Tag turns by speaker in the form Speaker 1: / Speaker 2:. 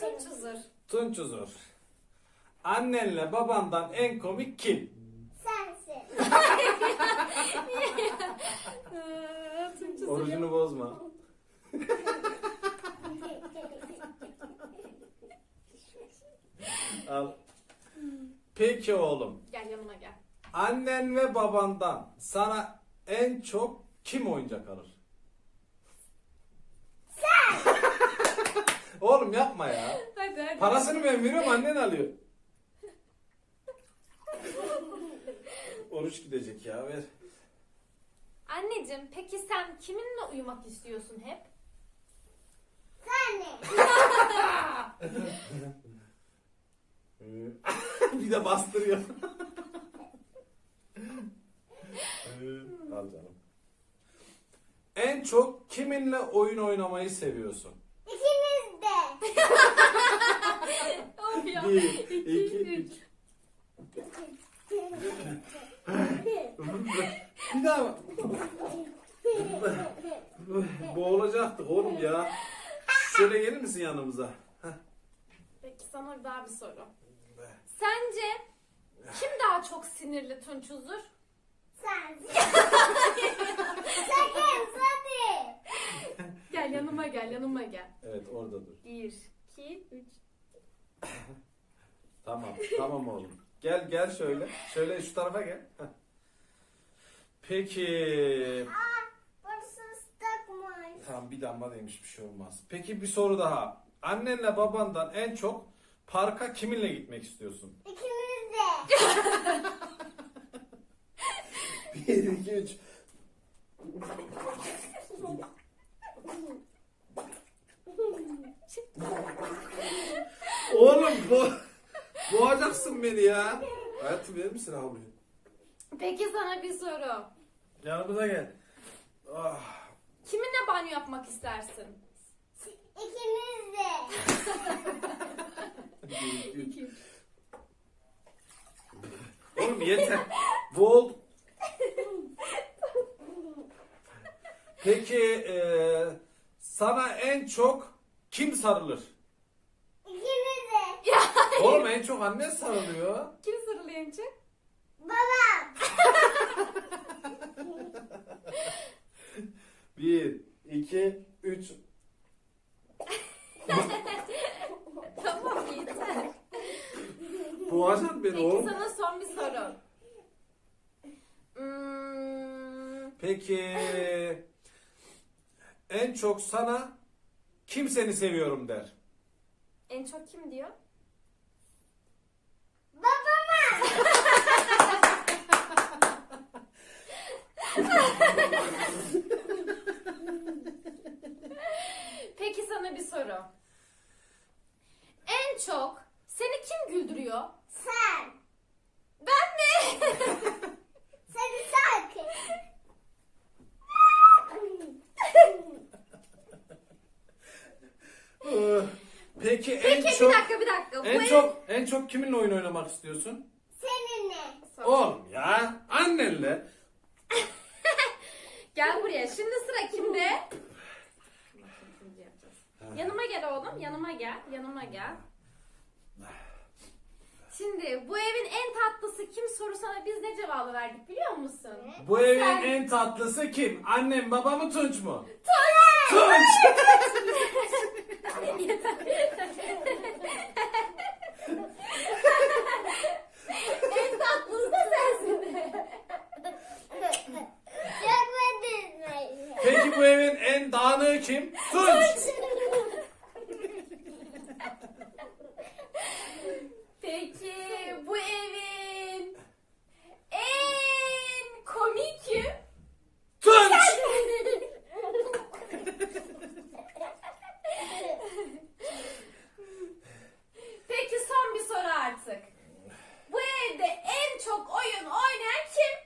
Speaker 1: Tunç Uzur.
Speaker 2: Tunç Uzur. Annenle babandan en komik kim?
Speaker 3: Sensin.
Speaker 1: Tunç Uzur.
Speaker 2: Orucunu bozma. Al. Peki oğlum.
Speaker 1: Gel yanıma gel.
Speaker 2: Annen ve babandan sana en çok kim oyuncak alır? Sen! Oğlum yapma ya.
Speaker 1: Hadi.
Speaker 2: Parasını ben veriyorum, annen alıyor. Oruç gidecek ya, ver.
Speaker 1: Anneciğim peki sen kiminle uyumak istiyorsun hep?
Speaker 3: Senle.
Speaker 2: Bir de bastırıyor. Al canım. En çok kiminle oyun oynamayı seviyorsun?
Speaker 3: İkiniz de.
Speaker 1: Of ya.
Speaker 2: 1,
Speaker 1: 2,
Speaker 2: 2,
Speaker 1: 3.
Speaker 2: 3. Bir daha. Boğulacaktık oğlum ya. Şöyle gelir misin yanımıza?
Speaker 1: Peki sana daha bir soru. Sence kim daha çok sinirli Tunç Uzur?
Speaker 3: Sensin. Sakın hadi.
Speaker 1: Gel yanıma gel yanıma gel.
Speaker 2: Evet, orada dur.
Speaker 1: 1, 2, 3.
Speaker 2: Tamam oğlum. Gel şöyle. Şöyle şu tarafa gel. Heh. Peki.
Speaker 3: Burası ıslakmış.
Speaker 2: Tamam, bir damla demiş, bir şey olmaz. Peki bir soru daha. Annenle babandan en çok parka kiminle gitmek istiyorsun?
Speaker 3: İkiniz de.
Speaker 2: 1, 2, 3. Oğlum boğacaksın beni ya. Hayatım, verir misin abi?
Speaker 1: Peki sana bir soru.
Speaker 2: Yanımıza gel. Ah.
Speaker 1: Kiminle banyo yapmak istersin?
Speaker 3: İkiniz de.
Speaker 2: 1, 2, 3.
Speaker 1: 2.
Speaker 2: Oğlum yeter. Boğul. Peki sana en çok kim sarılır?
Speaker 3: İkiniz de.
Speaker 2: Oğlum en çok anne sarılıyor.
Speaker 1: Kim sarılıyor en çok?
Speaker 3: Babam.
Speaker 2: 1, 2, 3.
Speaker 1: Tamam yeter.
Speaker 2: Boğacaksın beni
Speaker 1: Peki
Speaker 2: oğlum.
Speaker 1: sana son bir soru.
Speaker 2: Peki en çok sana kim seni seviyorum der?
Speaker 1: En çok kim diyor?
Speaker 3: Babama.
Speaker 1: Peki sana bir soru. En çok seni kim güldürüyor?
Speaker 3: Sen.
Speaker 1: Ben mi?
Speaker 3: Seni sakın.
Speaker 2: Peki en
Speaker 1: Peki
Speaker 2: çok
Speaker 1: bir dakika.
Speaker 2: en çok kiminle oyun oynamak istiyorsun?
Speaker 3: Seninle.
Speaker 2: Oğlum ya, annenle.
Speaker 1: Gel buraya. Şimdi sıra kimde? Yanıma gel oğlum. Yanıma gel. Yanıma gel. Şimdi bu evin en tatlısı kim sorusuna biz ne cevabı verdik biliyor musun?
Speaker 2: Bu evin
Speaker 1: Sen-
Speaker 2: en tatlısı kim? Annem, babam mı, Tunç mu?
Speaker 1: Tunç!
Speaker 2: Tunç!
Speaker 1: En tatlısı da sensin.
Speaker 3: Görmedin mi?
Speaker 2: Peki bu evin en dağınığı kim? Tunç!
Speaker 1: Peki bu evin en komik kim?
Speaker 2: Tunç!
Speaker 1: Peki son bir soru artık. Bu evde en çok oyun oynayan kim?